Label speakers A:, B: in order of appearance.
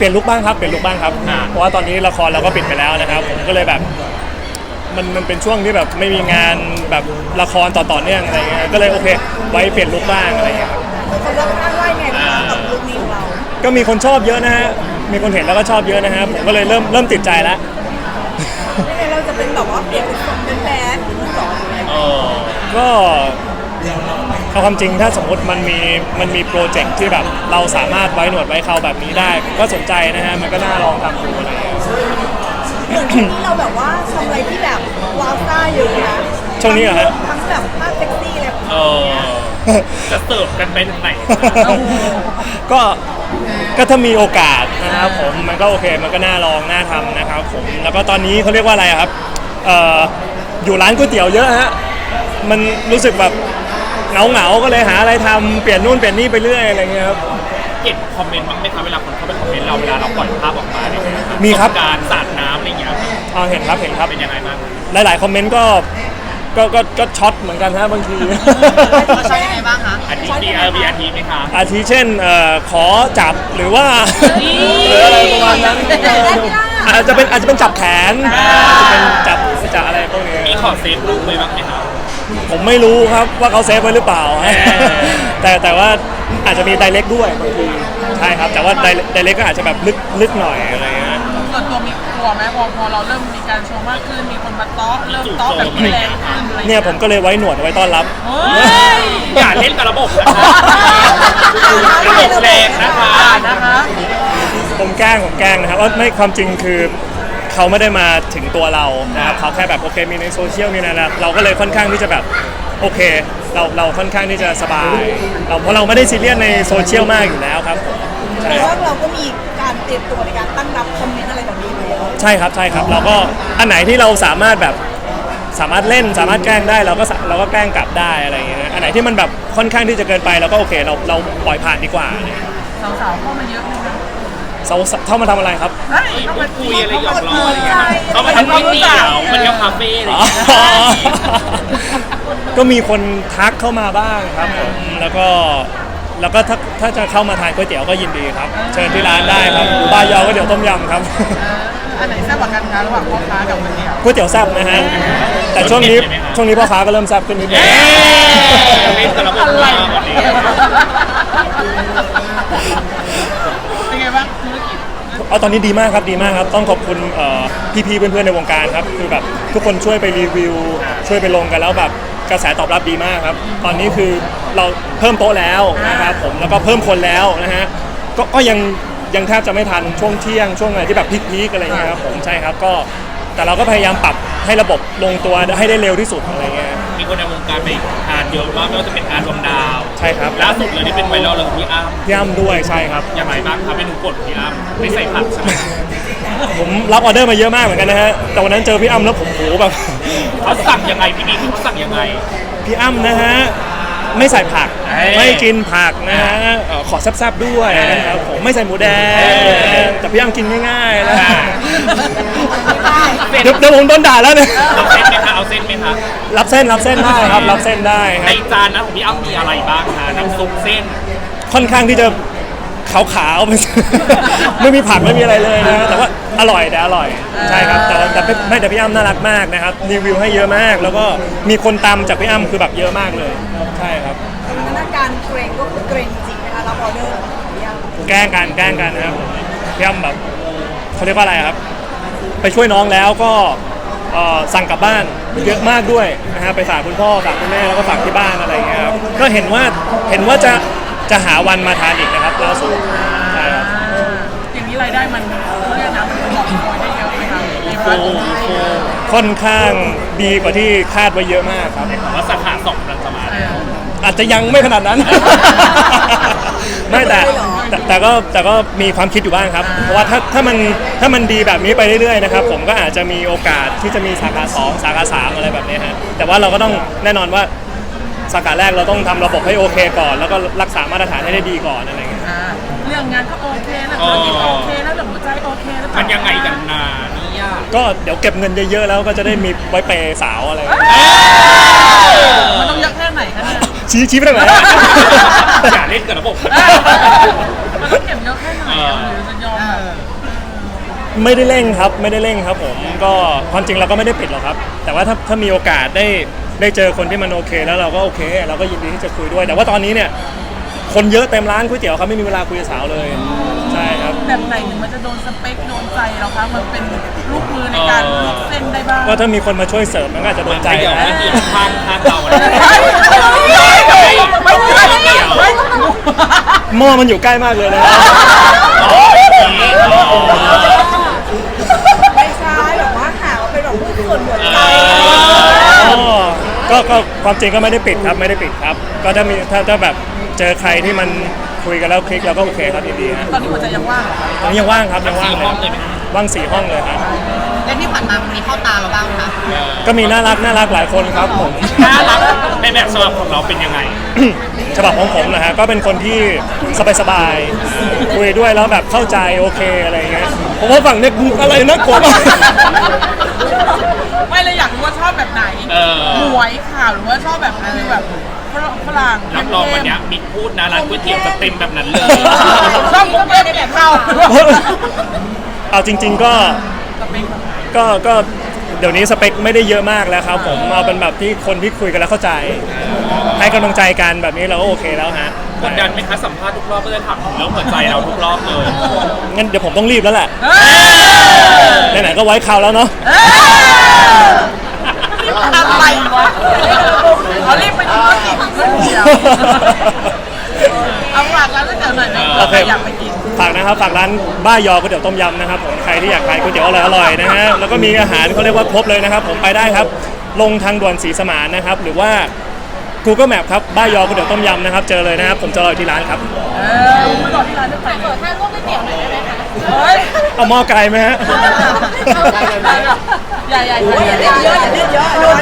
A: ลี่ยนลุคบ้างครับเพราะว่าตอนนี้ละครเราก็ปิดไปแล้วนะครับผมก็เลยแบบมันเป็นช่วงที่แบบไม่มีงานแบบละครต่อเนื่องอะไรเงี้ยก็เลยโอเคไว้เปลี่ยนลุคบ้างอะไรเงี้ยครับ
B: คนรอบข้างว่าไงบ้างกับลุคนี้ของเรา
A: ก็มีคนชอบเยอะนะฮะมีคนเห็นแล้วก็ชอบเยอะนะฮะผมก็เลยเริ่มติดใจแล้ว
B: ไม่งั้นเราจะเป็นแบบว่าเปลี่ยนเป็นแบดหรือสอนอะไร
A: ก็เอาความจริงถ้าสมมติมันมีโปรเจกต์ที่แบบเราสามารถไว้หนวดไว้เขาแบบนี้ได้ก็สนใจนะฮะมันก็น่าลองทำดูอะไรอย่างเงี้ย
B: เหมือนช่วงนี้เราแบบว่าทำอะไรที่แบบว้าวซ่าเยอะนะ
A: ช่วงนี้เหรอฮะ
B: ทั้งแบบภาพเซ็กซี่อะไรแบบนี้
C: จะเสิร์ฟกันไปถึงไหน
A: ก็ถ้ามีโอกาสนะครับผมมันก็โอเคมันก็น่าลองน่าทำนะครับผมแล้วก็ตอนนี้เขาเรียกว่าอะไรครับอยู่ร้านก๋วยเตี๋ยวเยอะฮะมันรู้สึกแบบเหงาก็เลยหาอะไรทำเปลี่ยนนู่นเปลี่ยนนี่ไปเรื่อยอะไรเงี้ยครับ
C: เห็นคอมเมนต์บ้างไหมครับเวลาคนเข้าไปคอมเมนต์เราเวลาเราปล่อยภาพออกมาเนี่ย
A: มีครับ
C: การสาดน้ำอะไรเงี้ย
A: เห็นครับ
C: เป็นยังไงบ้าง
A: หลายๆคอมเมนต์ก็ช็อตเหมือนกันฮะบางที
B: ช็อตยังไงบ้างคะ
C: อาทิมีอาทิไหมคะ
A: อาทิเช่นขอจับหรือว่าหรืออะไรประมาณนั้นอาจจะเป็นจับแขนจะเป็นจับอะไรพวกนี้
C: มีขอเซฟรูปไว้บ้างไหมครับ
A: ผมไม่รู้ครับว่าเขาเซฟไว้หรือเปล่าแต่ว่าอาจจะมีไดเรกด้วยบางทีใช่ครับแต่ว่าไดเรกก็อาจจะแบบลึกหน่อยอะไรเงี้ย
D: ส่วนตัวมีกลัวไหมพอเราเริ่มมีการโชว์มากขึ้นมีคนมาเตาะเริ่มเตาะแบบแรงขึ้น
A: เนี่ยผมก็เลยไว้หนวดไว้ต้อนรับ
C: อย่าเล่นกับระบบนะคะระบบแรงนะคะ
A: ผมแกล้งนะครับว่าไม่ความจริงคือเขาไม่ได้มาถึงตัวเรานะครับเขาแค่แบบโอเคมีในโซเชียลมีในอะไรเราก็เลยค่อนข้างที่จะแบบโอเคเราค่อนข้างที่จะสบายเพราะเราไม่ได้ซีเรียสในโซเชียลมากอยู่แล้วครับ
B: แต่ว่าเราก็มีการเตรียมตัวในการตั้งรับคอมเมนต์อะไรแบบนี้อยู่แล้ว
A: ใช่ครับเราก็อันไหนที่เราสามารถเล่นสามารถแกล้งได้เราก็แกล้งกลับได้อะไรอย่างเงี้ยอันไหนที่มันแบบค่อนข้างที่จะเกินไปเราก็โอเคเราปล่อยผ่านดีกว่า
D: สาวๆเข้ามาเยอะไหมคะ
A: เข้ามาทำอะไรครับ
C: เข้ามาคุยอะไรหยอกล้ออะไรเงี้ยเข้ามาทำก๋วยเตี๋ยวมันเที่ยวคาเฟ่อะไรอย่างเงี้ย
A: ก็มีคนทักเข้ามาบ้างครับผมแล้วก็ถ้าจะเข้ามาทานก๋วยเตี๋ยวก็ยินดีครับเชิญที่ร้านได้ครับบายอก๋วยเตี๋ยวต้มยำครับ
D: อันไหนแซ่บกว่ากันคะระหว่างพ่อค้ากับ
A: ก๋วยเตี๋ยวแซ่บนะฮะแต่ช่วงนี้พ่อค้าก็เริ่มแซ่บขึ้นนิดนึง
C: เป็นกระบอกอะไร
D: เป็นไงบ้างธุรกิจ
A: ตอนนี้ดีมากครับต้องขอบคุณพี่ๆเพื่อนๆในวงการครับคือแบบทุกคนช่วยไปรีวิวช่วยไปลงกันแล้วแบบกระแสตอบรับดีมากครับตอนนี้คือเราเพิ่มโต๊ะแล้วนะครับผมแล้วก็เพิ่มคนแล้วนะฮะก็ยังแทบจะไม่ทันช่วงเที่ยงช่วงอะไรที่แบบพีคๆอะไรเงี้ยครับผมใช่ครับก็แต่เราก็พยายามปรับให้ระบบลงตัวให้ได้เร็วที่สุดอะไรเงี้ย
C: มีคนในวงการไปทานเยอะมากไม่ว่าจะเป็นอาร์ดวงดาว
A: ใช่ครับ
C: ล่าสุดเลยที่เป็นไวรัลเลยพี่อ้ำ
A: ด้วยใช่ครับ
C: อย่างไรบ้างครับเมนูโปรดพี่อ้ำไม่ใส่ผักใช่ไหม
A: ผมรับออเดอร์มาเยอะมากเหมือนกันนะฮะแต่วันนั้นเจอพี่อ้ำแล้วผมโหแบบ
C: เขาสั่งยังไงพี่เขาสั่งยังไง
A: พี่อ้ำนะฮะไม่ใส่ผักไม่กินผักนะฮะขอแซ่บๆด้วยนะครับผมไม่ใส่หมูแดงแต่พี่อ้ำกินง่ายๆนะเดี๋ยวผมโดนด่าแล้วเนี่ย
C: เอาเส้นไหมคะ
A: รับเส้นได้ครับรับเส้นได้
C: ในจานนะของพี่อ้ำมีอะไรบ้างคะน้ำซุปเส้น
A: ค่อนข้างที่จะขาวๆไม่มีผักไม่มีอะไรเลยนะแต่ว่าอร่อยใช่ครับแต่พี่อ้ำน่ารักมากนะครับรีวิวให้เยอะมากแล้วก็มีคนตามจากพี่อ้ำคือแบบเยอะมากเลยใช่ครับ
B: สถานการณ์เกรงก็คือเกรงจริงนะคะรับออเดอร์
A: แกล้งกันนะครับพี่อ้ำแบบเขาเรียกว่าอะไรครับไปช่วยน้องแล้วก็สั่งกลับบ้านเยอะมากด้วยนะฮะไปฝากคุณพ่อฝากคุณแม่แล้วก็ฝากที่บ้านอะไรอย่างเงี้ยครับก็เห็นว่าจะหาวันมาทานอีกนะครับล่าสุดใช่ครับ
D: อย่างนี้รายได้มันเรียกนะมันบอกโอยได้เยอะไหมครับ
A: ค่อนข้างดีกว่าที่คาดไว้เยอะมากครับ
C: ว่าสาขา2กำลังจะมา
A: อาจจะยังไม่ขนาดนั้นไม่แต่ก็มีความคิดอยู่บ้างครับเพราะว่าถ้ามันดีแบบนี้ไปเรื่อยๆนะครับผมก็อาจจะมีโอกาสที่จะมีสาขา2สาขา3อะไรแบบนี้ฮะแต่ว่าเราก็ต้องแน่นอนว่าสาขาแรกเราต้องทำระบบให้โอเคก่อนแล้วก็รักษามาตรฐานให้ได้ดีก่อนอะไรเงี้ย
D: เรื่องงานก็โอเคแล้วธุรกิจโอเคแล้วหัวใจโอเคแล้ว
C: มันยังไงกันนานี่ยาก
A: ก็เดี๋ยวเก็บเงินเยอะๆแล้วก็จะได้มีไว้เปย์สาวอะไร
D: มันต้องเยอะแค่ไหนคะเนี่ย
A: ชี้ไปทางไหน
C: อย่าเล่นกับระบบ
D: มันต้องเก็บเยอะแค่ไหนหรือจะยอมแบบ
A: ไม่ได้เร่งครับไม่ได้เร่งครับผมก็ความจริงเราก็ไม่ได้ปิดหรอกครับ แต่ว่าถ้ามีโอกาสได้เจอคนที่มันโอเคแล้วเราก็โอเคเราก็ยินดีที่จะคุยด้วย แต่ว่าตอนนี้เนี่ยคนเยอะเต็มร้านก๋วยเตี๋ยวเขาไม่มีเวลาคุยกับสาวเลยใช่ครับ
D: แบบไหนถึงมันจะโดนสเปคโดนใจเราคะมันเป็นลูกมือในการลวกเส้นได้บ้าง
A: ก็ถ้ามีคนมาช่วยเสริมมันก็อาจจะโดนใจ
C: เดี๋ยว
A: นะ
C: ไม่เกี่ยวข้างเราอะไร
D: ไม่เกี่ยว
A: หม้อมันอยู่ใกล้มากเลยนะ
B: ไม่ใช่แบบว่าหาว่าเป็นแบบผู้ส่วนหัวใจ
A: ก็ความจริงก็ไม่ได้ปิดครับไม่ได้ปิดครับ ก็ถ้าแบบเจอใครที่มันคุยกันแล้วคลิกเราก็โอเคครับยินดีฮะ
D: ตอนนี้หัวใจยังว่างเหรอคะ
A: ตอนนี้ยังว่างครับยังว่างเลยว่าง4 ห้องเลยครับ
E: แล้วที่ผ่านมามันมีเข้าตาเราบ้างไหมคะ
A: ก็มีน่ารักหลายคนครับผม
C: น่ารักในแบบฉบับของเราเป็นยังไง
A: ฉบับของผมนะฮะก็เป็นคนที่สบายๆคุยด้วยแล้วแบบเข้าใจโอเคอะไรเงี้ยผมว่าฝั่งเนี้ยอะไรนะกลัวมาก
D: ไม่เลยอยากรู้ว่าชอบแบบไหนหมวยข่าวหรือว่าชอบแบบคือแบบฝรั่ง
C: รับรองวันนี้มิกพูดนะร้านก๋วยเตี๋ยวจะเต็มแบบนั้นเลย
D: ชอบมุกเล่นแบบเข้า
A: เอาจริง ๆก็เดี๋ยวนี้สเปคไม่ได้เยอะมากแล้วครับผมเอาเป็นแบบที่คนที่คุยกันแล้วเข้าใจ ให้กำลังใจกันแบบนี้เราก็โอเคแล้วฮะ
C: กดดันไหมคะสัมภาษณ์ทุกรอบก็จะถามถึงเรื่องหัวใจเราทุกรอบเลย
A: งั้นเดี๋ยวผมต้องรีบแล้วแหละไหนๆก็ไว้คราวแล้วเนาะ
D: อะไรวะเขารีบไปดูว่ากินก๋วยเตี๋ยวเอาฝากร้านก๋วยเตี๋ยวหน่อยไหม
A: โอเค
D: อยากไปกิน
A: ฝากนะครับฝากร้านบ้ายอก๋วยเตี๋ยวต้มยำนะครับผมใครที่อยากทานก๋วยเตี๋ยวอร่อยๆนะฮะแล้วก็มีอาหารเขาเรียกว่าครบเลยนะครับผมไปได้ครับ ลงทางด่วนศรีสมานนะครับหรือว่า Google Map ครับบ้ายอก๋วยเตี๋ยวต้มยำนะครับเจอเลยนะครับผมจะรออยู่ที่ร้านครับ
D: ไม่รอที่ร้านได้ไปเลย
E: ถ้าลวกก๋วยเตี๋ยวหน่อยได้ไหมคะ
D: เฮ้ย
A: เอาหม้อไกลไหมฮะ
D: อย่า
B: อย่าเล่นเยอะอย่าเล่นเยอะ